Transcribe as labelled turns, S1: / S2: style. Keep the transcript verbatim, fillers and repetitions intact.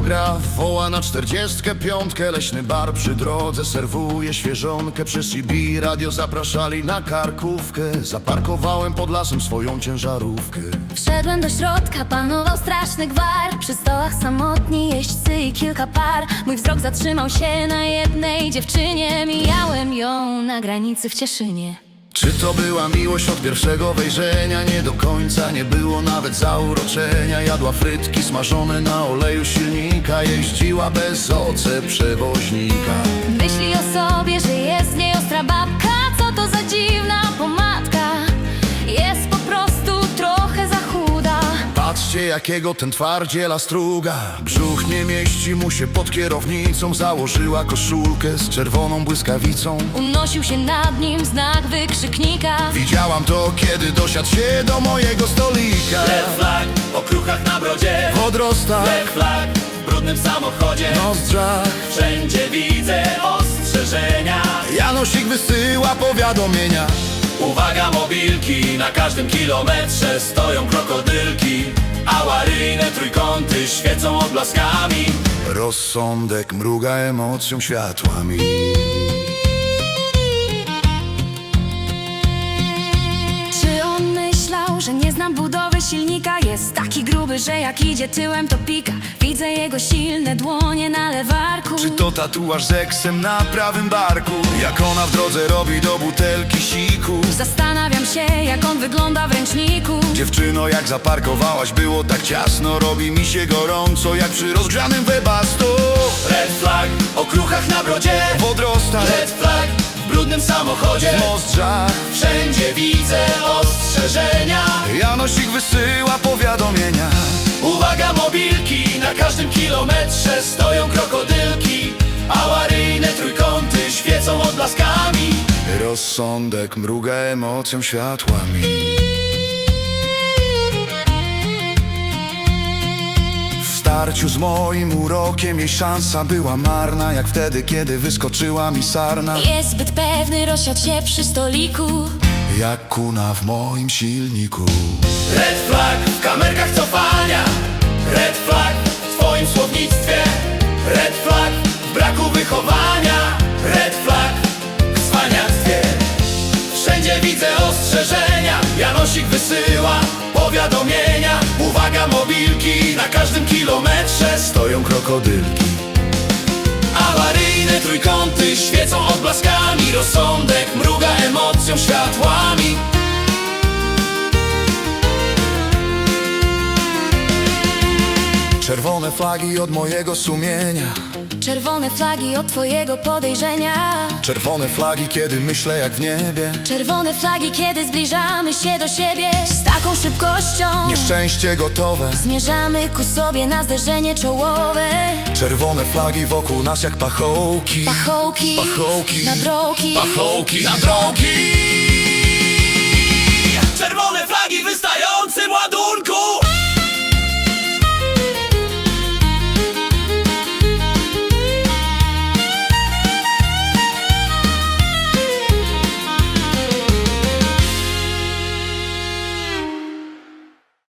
S1: autograf, woła na czterdziestkę piątkę. Leśny bar przy drodze serwuje świeżonkę. Przez C B radio zapraszali na karkówkę. Zaparkowałem pod lasem swoją ciężarówkę.
S2: Wszedłem do środka, panował straszny gwar. Przy stołach samotni jeźdźcy i kilka par. Mój wzrok zatrzymał się na jednej dziewczynie. Mijałem ją na granicy w Cieszynie.
S1: Czy to była miłość od pierwszego wejrzenia? Nie do końca, nie było nawet zauroczenia. Jadła frytki smażone na oleju silnika. Jeździła bez oce przewoźnika.
S2: Myśli o sobie, że jest z niej ostra babka. Co to za dziwna pomadka? Jest po prostu trochę za chuda.
S1: Patrzcie, jakiego ten twardziela struga. Brzuch nie mieści mu się pod kierownicą. Założyła koszulkę z czerwoną błyskawicą.
S2: Unosił się nad nim znak wykrzyknika.
S1: Widziałam to, kiedy dosiadł się do mojego stolika.
S3: Red flag, po kruchach na brodzie.
S1: W odrostach,
S3: Red flag, w brudnym samochodzie.
S1: nozdrzach,
S3: Wszędzie widzę ostrzeżenia.
S1: Janosik wysyła powiadomienia.
S3: Uwaga, mobilki, na każdym kilometrze stoją krokodylki. Awaryjne trójkąty świecą odblaskami.
S1: Rozsądek mruga emocją światłami.
S2: Czy on myślał, że nie znam budowy silnika? Jest taki gruby, że jak idzie tyłem to pika. Widzę jego silne dłonie na lewarku.
S1: Czy to tatuaż z eksem na prawym barku? Jak ona w drodze robi do butelki siku.
S2: Zastanawiam się, jak on wygląda w ręczniku.
S1: Dziewczyno, jak zaparkowałaś, było tak ciasno. Robi mi się gorąco, jak przy rozgrzanym webastu.
S3: Red flag, o kruchach na brodzie.
S1: W odrostach,
S3: Red flag, w brudnym samochodzie.
S1: w nozdrzach,
S3: Wszędzie widzę ostrzeżenia.
S1: Janosik wysyła powiadomienia.
S3: Uwaga, mobilki, na każdym kilometrze stoją krokodylki. Awaryjne trójkąty świecą odblaskami.
S1: Rozsądek mruga emocją światłami. W starciu z moim urokiem jej szansa była marna. Jak wtedy, kiedy wyskoczyła mi sarna.
S2: Jest zbyt pewny, rozsiadł się przy stoliku.
S1: Jak kuna w moim silniku.
S3: Red flag w kamerkach cofania. Red flag w twoim słownictwie. Red flag w braku wychowania. Red flag w cwaniactwie. Wszędzie widzę ostrzeżenia. Janosik wysyła powiadomienia. Uwaga, mobilki, na każdym kilometrze
S1: Stoją krokodylki.
S3: awaryjne trójkąty świecą odblaskami. Rozsądek mruga emocją światłami.
S1: Czerwone flagi od mojego sumienia.
S2: Czerwone flagi od twojego podejrzenia.
S1: Czerwone flagi, kiedy myślę jak w niebie.
S2: Czerwone flagi, kiedy zbliżamy się do siebie. Z taką szybkością
S1: Nieszczęście gotowe.
S2: zmierzamy ku sobie na zderzenie czołowe.
S1: Czerwone flagi wokół nas jak pachołki.
S2: Pachołki,
S1: Pachołki,
S2: na drogi.
S1: pachołki na drogi.
S3: Czerwone flagi w wystającym ładunku.